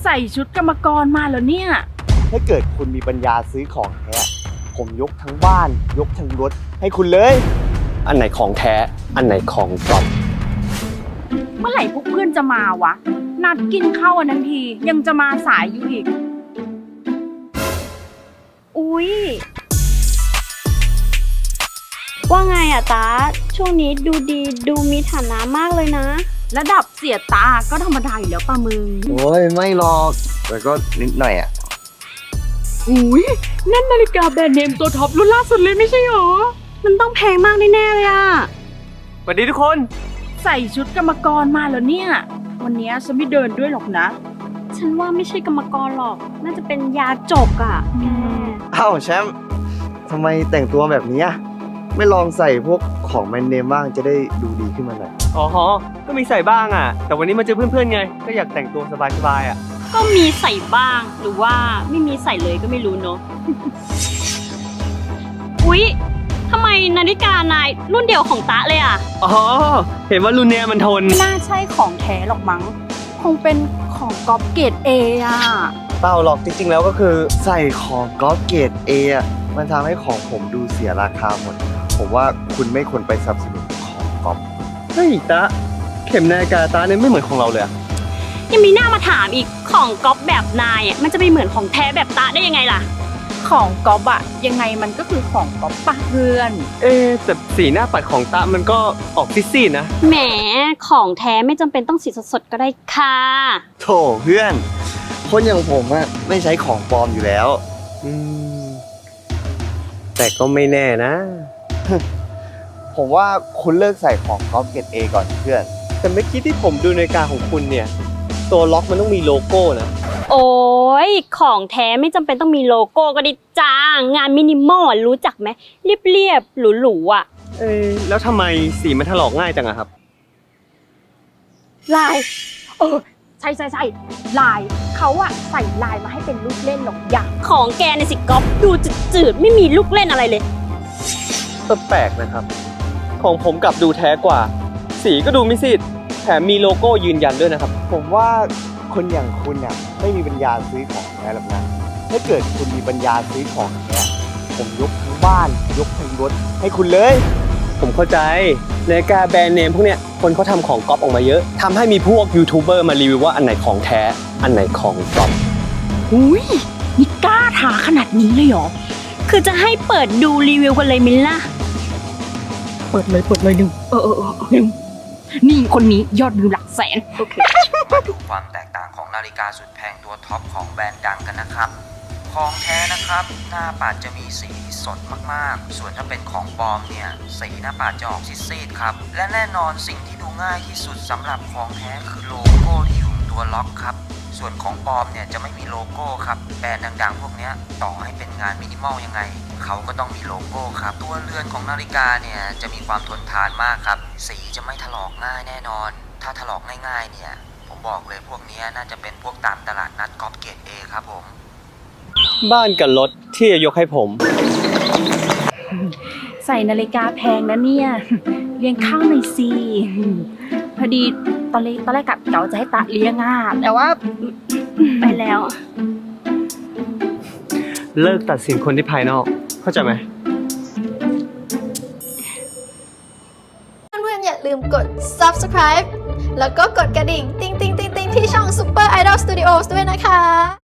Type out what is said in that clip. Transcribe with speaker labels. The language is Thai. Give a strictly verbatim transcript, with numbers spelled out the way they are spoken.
Speaker 1: ใส่ชุดกรรมกรมาแล้วเนี่ย
Speaker 2: ถ้าเกิดคุณมีปัญญาซื้อของแท้ผมยกทั้งบ้านยกทั้งรถให้คุณเลย
Speaker 3: อันไหนของแท้อันไหนของปลอม
Speaker 1: เมื่อไหร่พวกเพื่อนจะมาวะนัดกินข้าวอันนั้นทียังจะมาสายอยู่อีก
Speaker 4: อุ๊ยว่าไงอะตาช่วงนี้ดูดีดูมีฐานะมากเลยนะ
Speaker 1: ระดับเสียตาก็ธรรมดาอยู่แล้วป่ะมึง
Speaker 2: โอ้ยไม่หรอกแต่ก็นิดหน่อยอะ
Speaker 1: อุ้ยนั่นนาฬิกาแบรนด์เนมตัวท็อปรุ่นล่าสุดเลยไม่ใช่หรอ
Speaker 4: มันต้องแพงมากแน่ๆเลยอะ
Speaker 3: สวัสดีทุกคน
Speaker 1: ใส่ชุดกรรมกรมาแล้วเนี่ยวันนี้ฉันไม่เดินด้วยหรอกนะ
Speaker 4: ฉันว่าไม่ใช่กรรมกรหรอกน่าจะเป็นยาจกอะแก
Speaker 2: อ้าวแชมป์ทำไมแต่งตัวแบบนี้ไม่ลองใส่พวกของแบรนด์เนมบ้างจะได้ดูดีขึ้นมาหน่อย
Speaker 3: อ๋อฮะก็มีใส่บ้างอ่ะแต่วันนี้มาเจอเพื่อนๆไงก็อยากแต่งตัวสบายๆอ่ะ
Speaker 4: ก็มีใส่บ้างหรือว่าไม่มีใส่เลยก็ไม่รู้เนาะ อุ๊ยทำไมนาฬิกานายรุ่นเดียวของตะเลยอ่ะ
Speaker 3: อ๋อเห็นว่ารุ่นเนี้ยมันทน
Speaker 1: ไม่น่าใช่ของแท้หรอกมั้งคงเป็นของก๊อปเกรดเออ่ะ
Speaker 2: เปล่าหรอกจริงๆแล้วก็คือใส่ของก๊อปเกรดเออ่ะมันทำให้ของผมดูเสียราคาหมดผมว่าคุณไม่ควรไปสนับสนุนของก๊อป
Speaker 3: เฮ้ยตะเข็มนาฬิกาตะเนี่ยไม่เหมือนของเราเลย
Speaker 4: ยังมีหน้ามาถามอีกของก๊อปแบบนายอ่ะมันจะไปเหมือนของแท้แบบตะได้ยังไงล่ะ
Speaker 1: ของก๊อปอะยังไงมันก็คือของก๊อปปะเพื่อน
Speaker 3: เอ๊แต่สีหน้าปัดของตะมันก็ออกซีดๆนะ
Speaker 4: แหมของแท้ไม่จำเป็นต้องสีสดๆก็ได้ค่ะ
Speaker 2: โถเพื่อนคนอย่างผมอะไม่ใช้ของปลอมอยู่แล้ว
Speaker 3: อืมแต่ก็ไม่แน่นะ
Speaker 2: ผมว่าคุณเลิกใส่ของก๊อปเกรดเอก่อนเพื่อน
Speaker 3: แต่เมื่อกี้ที่ผมดูนาฬิกาของคุณเนี่ยตัวล็อกมันต้องมีโลโก้นะ
Speaker 4: โอ้ยของแท้ไม่จำเป็นต้องมีโลโก้ก็ได้จ้างานมินิมอลรู้จักไหมเรียบๆหรูๆอ่ะ
Speaker 3: เอ๊แล้วทำไมสีมันถลอกง่ายจังอะครับ
Speaker 1: ลายเออใช่ใช่ใช่ลายเขาอะใส่ลายมาให้เป็นลูกเล่นหรอกอย่าง
Speaker 4: ของแกในสิก๊อปดูจืดๆไม่มีลูกเล่นอะไรเลย
Speaker 3: แปลกนะครับของผมกลับดูแท้กว่าสีก็ดูไม่ซีดแถมมีโลโก้ยืนยันด้วยนะครับ
Speaker 2: ผมว่าคนอย่างคุณเนี่ยไม่มีปัญญาซื้อของแท้หรอกนะถ้าเกิดคุณมีปัญญาซื้อของแท้ผมยกทั้งบ้านยกทั้งรถให้คุณเลย
Speaker 3: ผมเข้าใจนาฬิกาแบรนด์เนมพวกเนี้ยคนเขาทำของก๊อปออกมาเยอะทำให้มีพวกยูทูบเบอร์มารีวิวว่าอันไหนของแท้อันไหนของปลอม
Speaker 1: อุ้ยนี่กล้าถาขนาดนี้เลยเหรอ
Speaker 4: คือจะให้เปิดดูรีวิวกันเลยมิลล่ะ
Speaker 1: เปิดเลยเปิดเลยหนึ่งเออเออเออหนึ่งนี่คนนี้ยอดวิวหลักแสนโอเค
Speaker 5: มาดูความแตกต่างของนาฬิกาสุดแพงตัวท็อปของแบรนด์ดังกันนะครับของแท้นะครับหน้าปัดจะมีสีสดมากๆส่วนถ้าเป็นของปลอมเนี่ยสีหน้าปัดจะออกซีดๆครับและแน่นอนสิ่งที่ดูง่ายที่สุดสำหรับของแท้คือโลโก้ที่อยู่ตัวล็อกครับส่วนของปลอมเนี่ยจะไม่มีโลโก้ครับแบรนด์ดังๆพวกนี้ต่อให้เป็นงานมินิมอลยังไงเขาก็ต้องมีโลโก้ครับตัวเรือนของนาฬิกาเนี่ยจะมีความทนทานมากครับสีจะไม่ถลอกง่ายแน่นอนถ้าถลอกง่ายๆเนี่ยผมบอกเลยพวกนี้น่าจะเป็นพวกตามตลาดนัดก๊อปเกรด เอ ครับผม
Speaker 3: บ้านกับรถที่จะยกให้ผม
Speaker 1: ใส่นาฬิกาแพงนะเนี่ยเลี้ยงข้าวหน่อยสิพอดีตอนแรกตอนแรกกับเก๋าจะให้ตาเลี้ยงอ่ะแต่ว่า
Speaker 4: ไปแล้ว
Speaker 3: เลิกตัดสินคนที่ภายนอกเข้าใจไหม
Speaker 6: เพื่อนๆอย่าลืมกด ซับสไครบ์ แล้วก็กดกระดิ่งติ๊งติ๊งติ๊งติ๊งที่ช่อง Super Idol Studios ด้วยนะ